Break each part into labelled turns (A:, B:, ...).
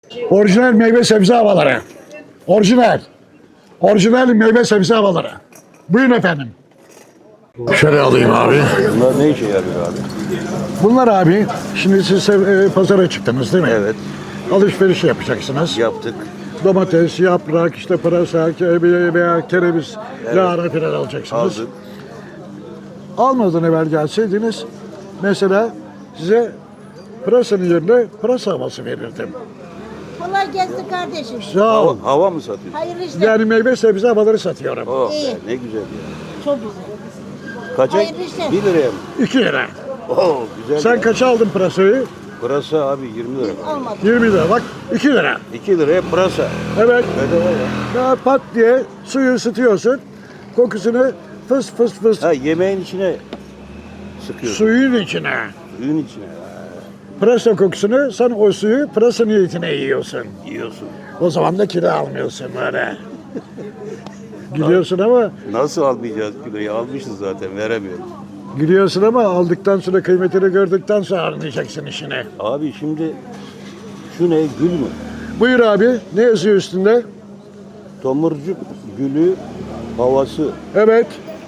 A: Orijinal meyve sebze havaları. Orijinal. Orijinal meyve sebze havaları. Buyurun efendim. Şöyle alayım abi.
B: Bunlar ne işe yarıyor abi?
A: Bunlar abi, şimdi siz pazara çıktınız değil mi?
B: Evet.
A: Alışveriş yapacaksınız.
B: Yaptık.
A: Domates, yaprak, işte pırasa, veya kereviz, lahana falan alacaksınız.
B: Aldık.
A: Almadan evvel gelseydiniz, mesela size pırasanın yerine pırasa havası verirdim.
C: Kolay gelsin kardeşim.
A: Sağ ol.
B: Hava mı satıyorsun?
C: Hayırlı işler.
A: Yani meyve sebze havaları satıyorum.
B: Oh
C: İyi.
B: be, ne güzel ya.
C: Çok güzel.
B: Kaça?
C: Hayırlı işler.
B: 1 liraya mı?
A: 2 lira.
B: Oh güzel.
A: Sen
B: ya.
A: kaça aldın pırasayı?
B: Pırasa abi 20 lira.
C: Almadım.
A: 20 lira. Bak 2 lira.
B: 2 liraya pırasa.
A: Evet.
B: Bedava ya.
A: Ya pat diye suyu ısıtıyorsun. Kokusunu fıs fıs fıs
B: Ha yemeğin içine sıkıyorsun.
A: suyun içine.
B: Suyun içine.
A: Pırasa kokusunu sen o suyu pırasa niyetine yiyorsun.
B: Yiyorsun.
A: O zaman da kilo almıyorsun böyle. Gülüyorsun ama
B: Nasıl almayacağız kiloyu? Almışız zaten veremiyoruz.
A: gülüyorsun ama aldıktan sonra kıymetini gördükten sonra anlayacaksın işini.
B: Abi şimdi şu ne? Gül mü?
A: Buyur abi. Ne yazıyor üstünde?
B: Tomurcuk gülü havası.
A: Evet.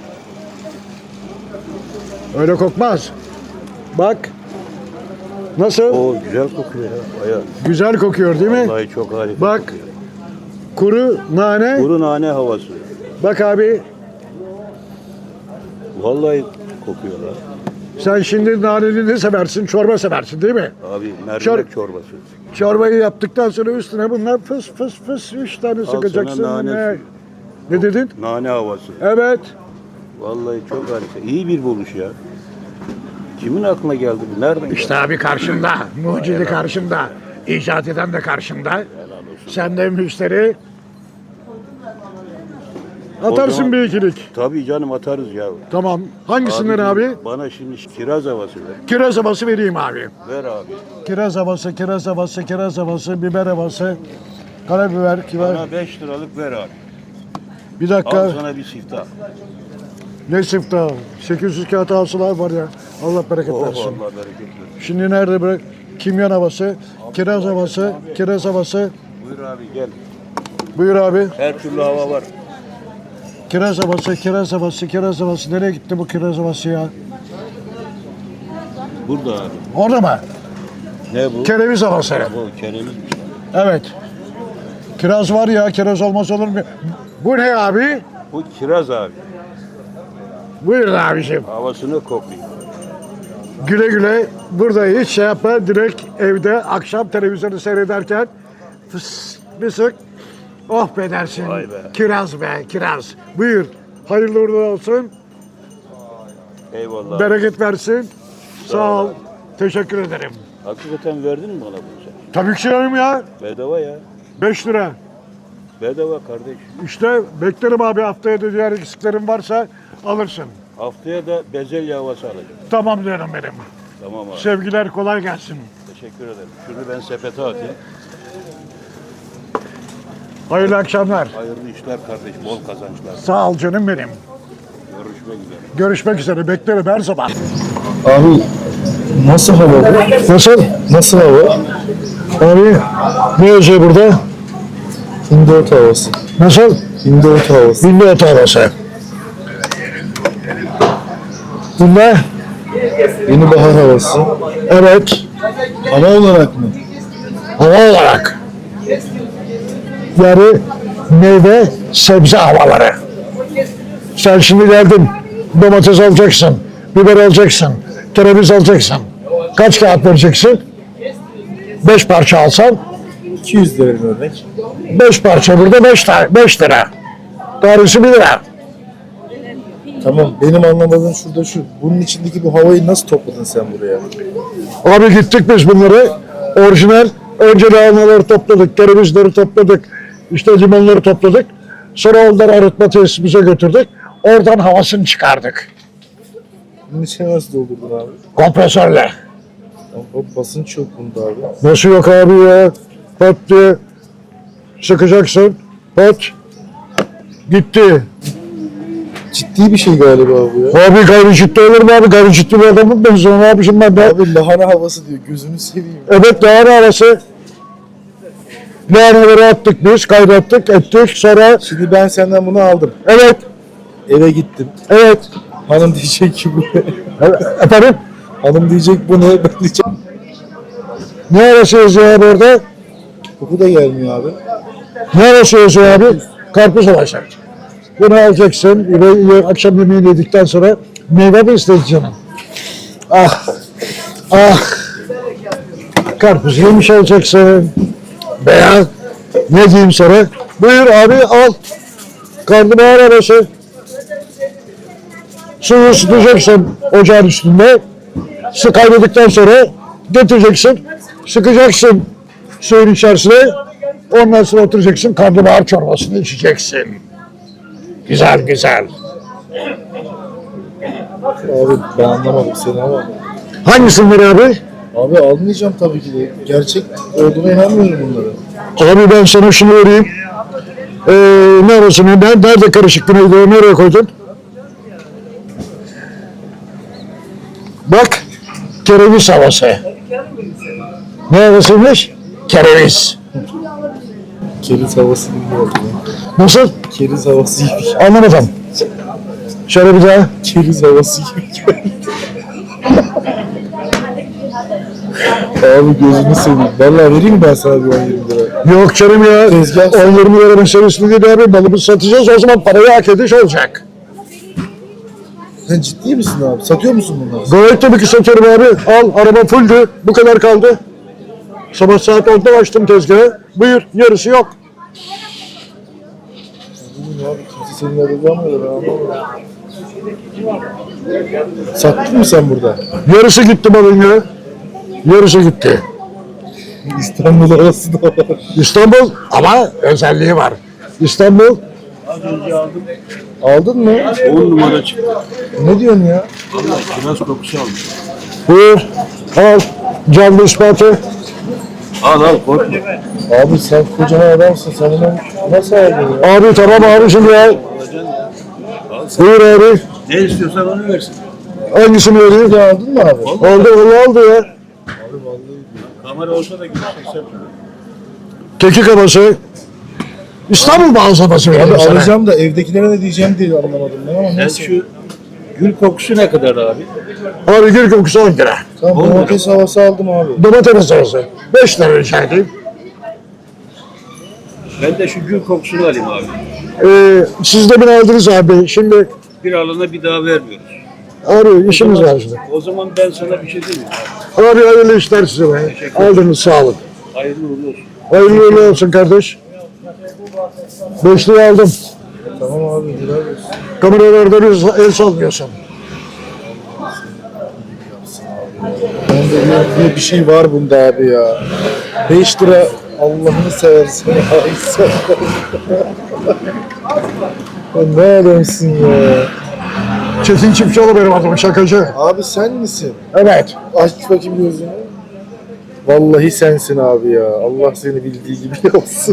A: Öyle kokmaz. Bak. Nasıl?
B: O güzel kokuyor ya. Bayağı.
A: Güzel kokuyor değil mi?
B: Vallahi çok harika.
A: Bak.
B: kokuyor.
A: Kuru nane.
B: Kuru nane havası.
A: Bak abi.
B: Vallahi kokuyor ha.
A: Sen şimdi naneli ne seversin? Çorba seversin değil mi?
B: Abi mercimek
A: Çor-
B: çorbası.
A: Çorbayı yaptıktan sonra üstüne bunlar fıs fıs fıs 3 tane
B: sana
A: sıkacaksın.
B: nane
A: Ne?
B: suyu.
A: Ne dedin?
B: Nane havası.
A: Evet.
B: Vallahi çok harika. İyi bir buluş ya. Kimin aklına geldi bu? Nereden geldi?
A: İşte abi karşımda. Mucidi karşımda. İcat eden de karşımda. Sen de müşteri. Atarsın
B: zaman-
A: bir ikilik.
B: Tabii canım atarız ya.
A: Tamam. Hangisinden abi?
B: Bana şimdi kiraz havası ver.
A: Kiraz havası vereyim abi.
B: Ver abi.
A: Kiraz havası, kiraz havası, kiraz havası, biber havası, karabiber, kibar.
B: Bana 5 liralık ver abi.
A: Bir dakika.
B: Al sana bir siftah.
A: Ne siftah? 800 kağıt hasılar var ya. Allah bereket
B: Oh
A: versin.
B: Allah bereket versin.
A: Şimdi nerede bırak? Kimyon havası, kiraz havası, kiraz havası.
B: Buyur abi gel.
A: Buyur abi.
B: Her türlü hava var.
A: Kiraz havası, kiraz havası, kiraz havası. Nereye gitti bu kiraz havası ya?
B: Burada abi.
A: Orada mı?
B: Ne bu?
A: Kereviz havası.
B: Bu keremizmiş.
A: Evet. Kiraz var ya, kiraz olmaz olur mu? Bu ne abi?
B: Bu kiraz abi.
A: Buyurun abiciğim.
B: Havasını koklayın.
A: Güle güle. Burada hiç şey yapma. Direkt evde akşam televizyonu seyrederken fıs bir sık. Oh be dersin.
B: Vay be.
A: Kiraz be, kiraz. Buyur. Hayırlı uğurlu olsun.
B: Eyvallah.
A: Bereket versin. Sağ ol.
B: ol.
A: Teşekkür ederim.
B: Hakikaten verdin mi bana bunu sen?
A: Tabii ki canım ya.
B: Bedava ya.
A: 5 lira.
B: Bedava kardeş.
A: İşte beklerim abi, haftaya da diğer eksiklerim varsa alırsın.
B: Haftaya da bezelye havası alacağım.
A: Tamam diyorum benim.
B: Tamam abi.
A: Sevgiler, kolay gelsin.
B: Teşekkür ederim. Şunu ben sepete atayım.
A: Hayırlı akşamlar.
B: Hayırlı işler kardeş. Bol kazançlar.
A: Sağ ol canım benim.
B: Görüşmek üzere.
A: Görüşmek üzere. Beklerim her zaman.
D: Abi nasıl hava bu?
A: Nasıl?
D: Nasıl hava?
A: Abi ne yazıyor burada?
D: Hindot havası.
A: Nasıl?
D: Hindot havası.
A: Binde otu havası. Bunda?
D: Yeni bahar havası.
A: Evet.
D: Hava olarak mı?
A: Hava olarak. Yani meyve sebze havaları. Sen şimdi geldin. Domates alacaksın. Biber alacaksın. Kereviz alacaksın. Kaç kağıt vereceksin? 5 parça alsan
D: 200 lira örnek.
A: 5 parça burada 5 lira. Tanesi 1 lira.
D: Tamam, benim anlamadığım şurada şu. Bunun içindeki bu havayı nasıl topladın sen buraya?
A: Abi gittik biz bunları. Orijinal. Önce lahanaları topladık. Kerevizleri topladık. İşte limonları topladık. Sonra onları arıtma tesisimize götürdük. Oradan havasını çıkardık.
D: Bunun içine nasıl doldurdun abi?
A: Kompresörle.
D: O basınç yok bunda abi.
A: Nasıl yok abi ya? Pat diye sıkacaksın. Pat. Gitti.
D: Ciddi bir şey galiba bu ya.
A: Abi gayri ciddi olur mu abi? Gayri ciddi bir adamım ben. Sonra ne yapmışım ben de?
D: Abi lahana havası diyor, gözünü seveyim.
A: Evet, lahana havası. Lahanaları attık biz, kaynattık, ettik. Sonra
D: Şimdi ben senden bunu aldım.
A: evet,
D: Eve gittim.
A: evet.
D: Hanım diyecek ki bu ne?
A: Efendim?
D: Hanım diyecek bu ne? Ben diyeceğim.
A: Ne arası yazıyor abi orada?
D: Koku da gelmiyor abi.
A: Ne arası yazıyor abi? Karpuz olacak. Bunu alacaksın ve akşam yemeğini yedikten sonra meyve mi isteyeceksin? Ah, ah. Karpuz yemiş olacaksın. Veya ne diyeyim sana? Buyur abi al. Karnabahar arası. Suyu ısıtacaksın ocağın üstünde. Su kaynadiktan sonra getireceksin. Sıkacaksın suyun içerisine. Ondan sonra oturacaksın. Karnabahar çorbasını içeceksin. Güzel güzel.
D: Abi ben anlamadım seni ama.
A: Hangisinden abi?
D: Abi almayacağım tabii ki de. Gerçek olduğuna inanmıyorum bunlara.
A: Abi ben sana şunu vereyim. Neresine? Nerede karışık neydi? Nereye koydun? Bak. Kereviz havası. Neresiymiş? Kereviz.
D: Keriz havası gibi oldu.
A: Nasıl?
D: Keriz havası gibi.
A: Anlamadım. Şöyle bir daha.
D: Keriz havası gibi geldi. Abi gözünü seveyim. Vallahi vereyim mi ben sana bir 10-20 lira?
A: Yok canım ya.
D: Tezgah.
A: 10-20 lira meselesi değil abi. Balımızı satacağız. O zaman parayı hak ediş olacak.
D: Sen ciddi misin abi? Satıyor musun bunları?
A: Gayet tabii ki satıyorum abi. Al araba fulldü. Bu kadar kaldı. Sabah saat 10'da açtım tezgahı. Buyur yarısı yok.
D: Bilmiyorum abi. Kimse seninle arayamıyor. Ben anlamadım. Sattın mı sen burada?
A: Yarısı gitti balın ya. Yarısı gitti.
D: İstanbul arası da var.
A: İstanbul ama özelliği var. İstanbul
B: Az önce aldım.
D: Aldın mı?
B: 10 numara çıktı.
D: Ne diyorsun ya?
B: Vallahi kiraz kokusu aldım.
A: buyur al canlı ispatı.
B: Al al korkma.
D: Abi sen kocaman adamsın. Sen bunu nasıl aldın ya?
A: Abi tamam abicim ya.
B: Alacaksın ya. Al sen.
A: Buyur abi.
B: Ne istiyorsan onu versin.
A: Hangisini vereyim?
D: Ya aldın mı abi?
A: Oldu ya.
D: Abi vallahi.
B: Kamera olsa da gidecek sen.
A: Kekik havası. İstanbul bazlaması
D: Abi
A: vereyim sana.
D: alacağım da evdekilere ne diyeceğim diye anlamadım ben ama
B: Sen
D: neyse.
B: şu gül kokusu ne kadar abi?
A: Abi gül kokusu 10 lira.
D: Tamam
B: 10 lira.
D: domates havası aldım abi.
A: Domates havası 5 lira rica edeyim.
B: Ben de şu gül kokusunu alayım abi.
A: Siz de beni aldınız abi. Şimdi
B: Bir alana bir daha vermiyoruz.
A: abi işimiz var şimdi.
B: O zaman ben sana bir şey diyeyim mi?
A: Abi hayırlı işler size be. Aldınız sağ olun.
B: Hayırlı uğurlu olsun.
A: Hayırlı uğurlu olsun kardeş. 5'liği aldım.
D: Tamam abi helal olsun.
A: Kameralarda bir el sallıyorsun.
D: Bende bir şey var bunda abi ya. 5 lira Allah'ını seversen. Ay sen. Ya ne adamsın ya.
A: Çetin Çiftçioğlu benim adım şakacı.
D: Abi sen misin?
A: Evet.
D: Aç bakayım gözünü. Vallahi sensin abi ya. Allah seni bildiği gibi yapsın.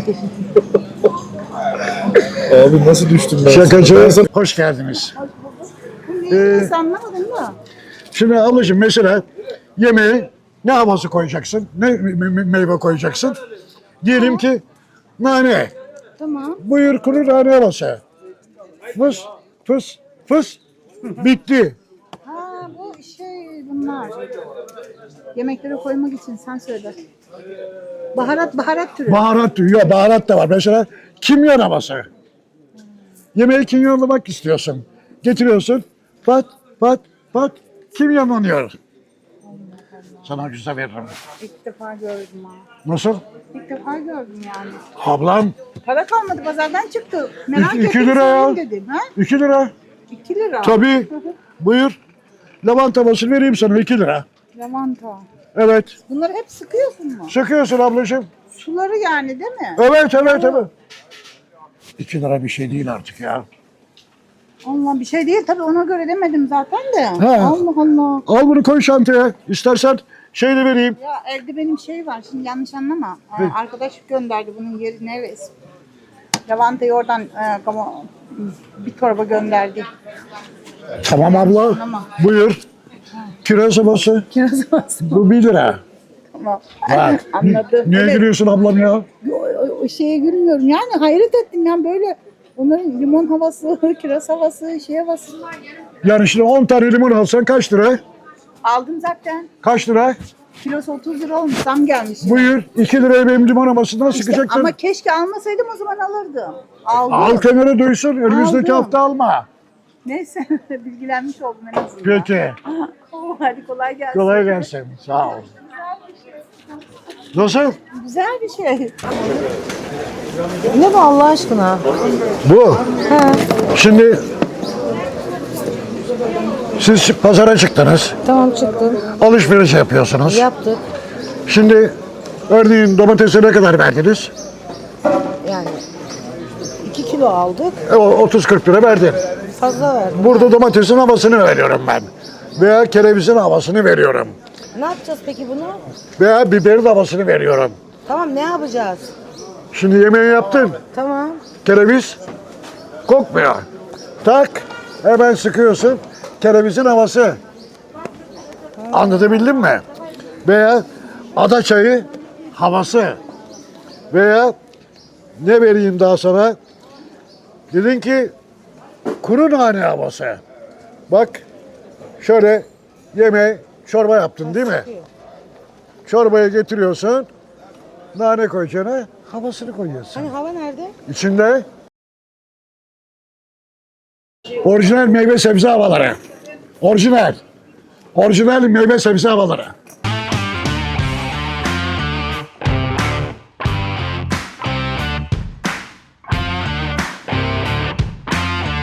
D: Abi nasıl düştüm ben?
A: Şakacı.
D: Ben sana-
A: Hoş geldiniz.
C: Neydi anlamadın mı?
A: Şimdi ablacığım mesela yemeğe ne havası koyacaksın? Ne meyve koyacaksın? Diyelim ki nane.
C: Tamam.
A: Buyur kuru nane havası. Fıs fıs fıs. Bitti.
C: Ha bu bunlar. Yemeklere koymak için sen söyle. Baharat türü.
A: Baharat diyor. Baharat da var. Mesela kimyon havası. Yemeği kimyonlamak istiyorsun. Getiriyorsun. Pat pat pat kimyonlanıyor. Sana güzel veririm.
C: İlk defa gördüm ha.
A: Nasıl?
C: İlk defa gördüm yani.
A: Ablam
C: Para kalmadı pazardan çıktı. Merak
A: İki
C: ettim
A: lira ya.
C: sorayım dedim. Ha?
A: 2 lira.
C: 2 lira.
A: Tabii. Buyur. Lavanta havası vereyim sana 2 lira.
C: Lavanta.
A: Evet.
C: Bunları hep sıkıyorsun mu?
A: Sıkıyorsun ablacığım.
C: Suları yani değil mi?
A: Evet. 2 lira bir şey değil artık ya.
C: Allah bir şey değil tabii ona göre demedim zaten de.
A: Ha.
C: Allah Allah.
A: Al bunu koy çantaya. İstersen şey de vereyim.
C: Ya evde benim şey var şimdi yanlış anlama. Arkadaş gönderdi bunun yeri neresi? Lavantayı oradan bir torba gönderdi.
A: Tamam abla.
C: Tamam.
A: Buyur. Kiraz havası.
C: Kiraz havası.
A: Bu 1 lira.
C: Ama
A: Bak.
C: anladım.
A: Niye
C: Evet.
A: gülüyorsun ablam ya?
C: O şeye gülmüyorum. Yani hayret ettim yani böyle onların limon havası, kiraz havası, şey havası.
A: Yani şimdi 10 tane limon alsan kaç lira?
C: Aldım zaten.
A: Kaç lira?
C: Kilosu 30 lira olmuş. Zam gelmiş.
A: Buyur 2 liraya benim limon havasından
C: İşte,
A: sıkacaksın.
C: ama keşke almasaydım o zaman alırdım. Aldım.
A: Al kenara duysun. Önümüzdeki
C: Aldım.
A: hafta alma.
C: Neyse bilgilenmiş oldum en azından.
A: Peki.
C: Hadi kolay gelsin.
A: Kolay gelsin. Sağ ol. Nasıl?
C: Güzel bir şey.
E: Ne bu Allah aşkına?
A: Bu. Şimdi siz pazara çıktınız.
E: Tamam çıktım.
A: Alışveriş yapıyorsunuz.
E: Yaptık.
A: Şimdi örneğin domatese ne kadar verdiniz?
E: Yani 2 kilo aldık.
A: O 30-40 lira verdin.
E: Fazla verdim.
A: Burada domatesin havasını veriyorum ben. Veya kerevizin havasını veriyorum.
E: Ne yapacağız peki bunu?
A: Veya biberin havasını veriyorum.
E: Tamam ne yapacağız?
A: Şimdi yemeği yaptın.
E: Tamam.
A: Kereviz kokmuyor. Tak hemen sıkıyorsun. Kerevizin havası. Anlatabildim mi? Veya ada çayı havası. Veya ne vereyim daha sana? Dedin ki kuru nane havası. Bak şöyle yemeği çorba yaptın değil mi? Çorbayı getiriyorsun. Nane koyacaksın. Havasını koyuyorsun.
E: Hani hava nerede?
A: İçinde orijinal meyve sebze havaları. Orijinal. Orijinal meyve sebze havaları.